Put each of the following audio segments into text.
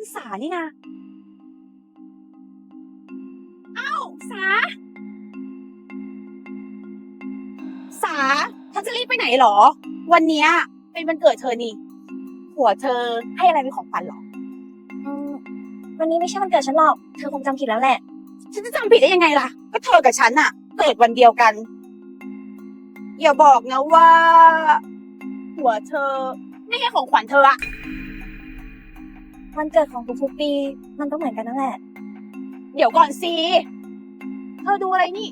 สานี่นะอ้าวสาเธอจะรีบไปไหนหรอวันเนี้ยเป็นวันเกิดเธอนี่ผัวเธอให้อะไรเป็นของขวัญหรอวันนี้ไม่ใช่วันเกิดฉันหรอกเธอคงจำผิดแล้วแหละฉันจะจำผิดได้ยังไงล่ะก็เธอกับฉันอะเกิดวันเดียวกันอย่าบอกนะว่าผัวเธอไม่ให้ของขวัญเธออะวันเกิดของทุกๆปีมันก็เหมือนกันนั่นแหละเดี๋ยวก่อนสิเธอดูอะไรนี่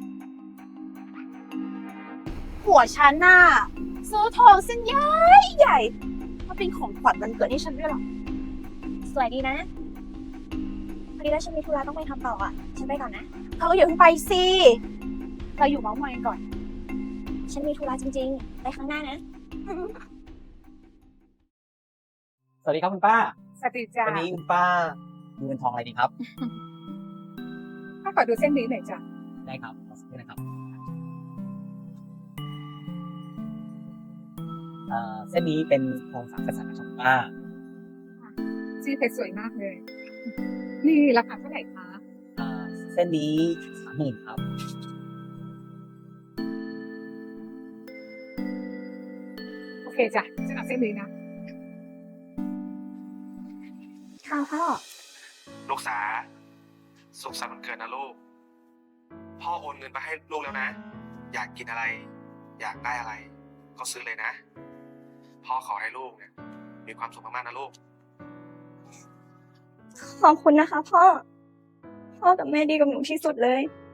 ผัวฉันน่ะซื้อทองเส้นใหญ่ใหญ่มาเป็นของขวัญวันเกิดให้ฉันด้วยหรอสวยดีนะพอดีแล้วฉันมีธุระต้องไปทำต่ออ่ะฉันไปก่อนนะเธออย่าเพิ่งไปสิเราอยู่เมาส์มอยกันก่อนฉันมีธุระจริงๆไปข้างหน้านะสวัสดีครับคุณป้าสวัสดีจ้าวันนี้คุณป้ามีเงินทองอะไรดีครับถ้าขอดูเส้นนี้หน่อยจ้ะได้ครับขอสักครู่นะครับเส้นนี้เป็นทอง3 กษัตริย์นะครับคุณป้าสีเพชรสวยมากเลย นี่ราคาเท่าไหร่คะเส้นนี้30,000ครับโอเคจ้ะฉันเอาเส้นนี้นะค่ะพ่อลูกสาสุขสันต์วันเกิดนะลูก พ่อโอนเงินไปให้ลูกแล้วนะ อยากกินอะไร อยากได้อะไร ก็ซื้อเลยนะ พ่อขอให้ลูกเนี่ยมีความสุขมากๆนะลูกขอบคุณนะคะพ่อ พ่อกับแม่ดีกับหนูที่สุดเลย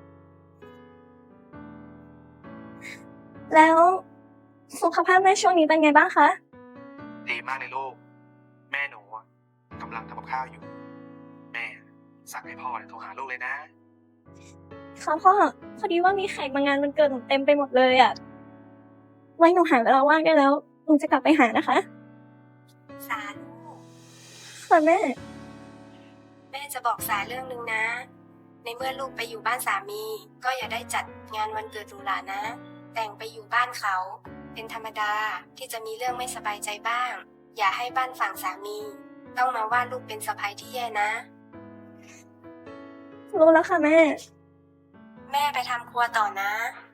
แล้วสุขภาพแม่ช่วงนี้เป็นไงบ้างคะดีมากเลยลูก แม่หนูอะกำลังทำกับข้าวอยู่ แม่สั่งให้พ่อเนี่ยโทรหาลูกเลยนะค่ะพ่อ พอดีว่ามีแขกมางานวันเกิดหนูเต็มไปหมดเลยอ่ะ ไว้หนูหาเวลาว่างได้แล้วหนูจะกลับไปหานะคะสาลูกค่ะแม่แม่จะบอกสาเรื่องหนึ่งนะ ในเมื่อลูกไปอยู่บ้านสามี ก็อย่าได้จัดงานวันเกิดหรูหรานะ แต่งไปอยู่บ้านเขา เป็นธรรมดาที่จะมีเรื่องไม่สบายใจบ้าง อย่าให้บ้านฝั่งสามี ต้องมาว่าลูกเป็นสะใภ้ที่แย่นะรู้แล้วค่ะแม่แม่ไปทำครัวต่อนะ